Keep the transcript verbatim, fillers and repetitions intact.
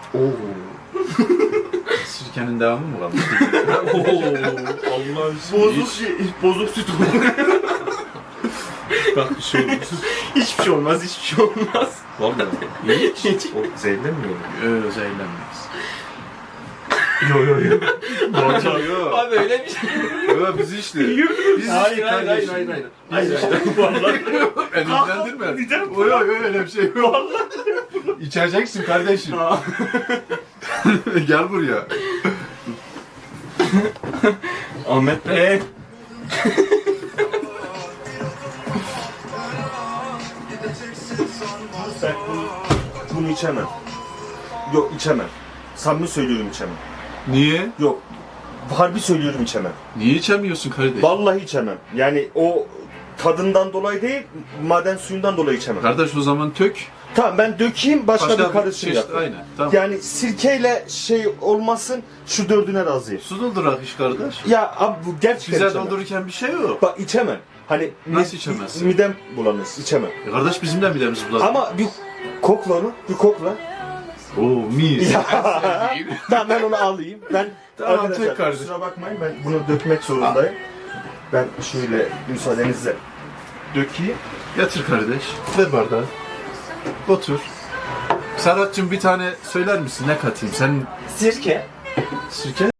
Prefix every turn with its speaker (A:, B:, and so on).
A: Oo.
B: Sirkenin devamı mı kalmış?
A: Oo. Allah
C: Bozuk şey, bozuk süt olur.
A: Bak bir şey olmuş.
C: Hiçbir şey olmaz, hiçbir şey olmaz.
A: Vallahi.
C: Hiç.
A: O zehirlenmiyor mu?
B: Öyle zehirlenmeyiz.
A: Yo yo yo.
B: Yok yok.
C: Abi öyle bir şey.
B: Yok biz işte. Biz
C: Hayır,
B: işte
C: hayır,
B: kardeşim.
C: hayır, hayır,
B: Biz işte. Endişelendirme. Yok yok öyle bir şey yok. İçeceksin kardeşim. Gel buraya.
C: Ahmet Bey.
D: Ben bunu, bunu içemem. Yok içemem. Samimi söylüyorum içemem.
B: Niye?
D: Yok. Harbi söylüyorum içemem.
B: Niye içemiyorsun kardeş?
D: Vallahi içemem. Yani o tadından dolayı değil, maden suyundan dolayı içemem.
B: Kardeş o zaman tök.
D: Tamam ben dökeyim başka, bir karışım
B: çeşit-
D: yapayım.
B: Aynen. Tamam.
D: Yani sirkeyle şey olmasın şu dördüne razıyım.
B: Su doldurak iş kardeş.
D: Ya abi bu gerçekten
B: Bize
D: içemem.
B: doldururken bir şey yok.
D: Bak içemem. Hani
B: Nasıl
D: mi-
B: içemezsin?
D: Midem bulanır. İçemem.
B: E kardeş bizim de midemiz bulanır.
D: Ama bir kokla onu. Bir kokla.
B: Oo mis.
D: Ya. Ben, ben onu alayım. Ben
B: Tamam,
D: arkadaşlar
B: tek kardeş.
D: kusura bakmayın ben bunu dökmek zorundayım. Ben şöyle müsaadenizle dökeyim.
B: Yatır kardeş. Ver bardağı. Otur. Serhat'cığım bir tane söyler misin? Ne katayım? Sen
C: Sirke.
B: sirke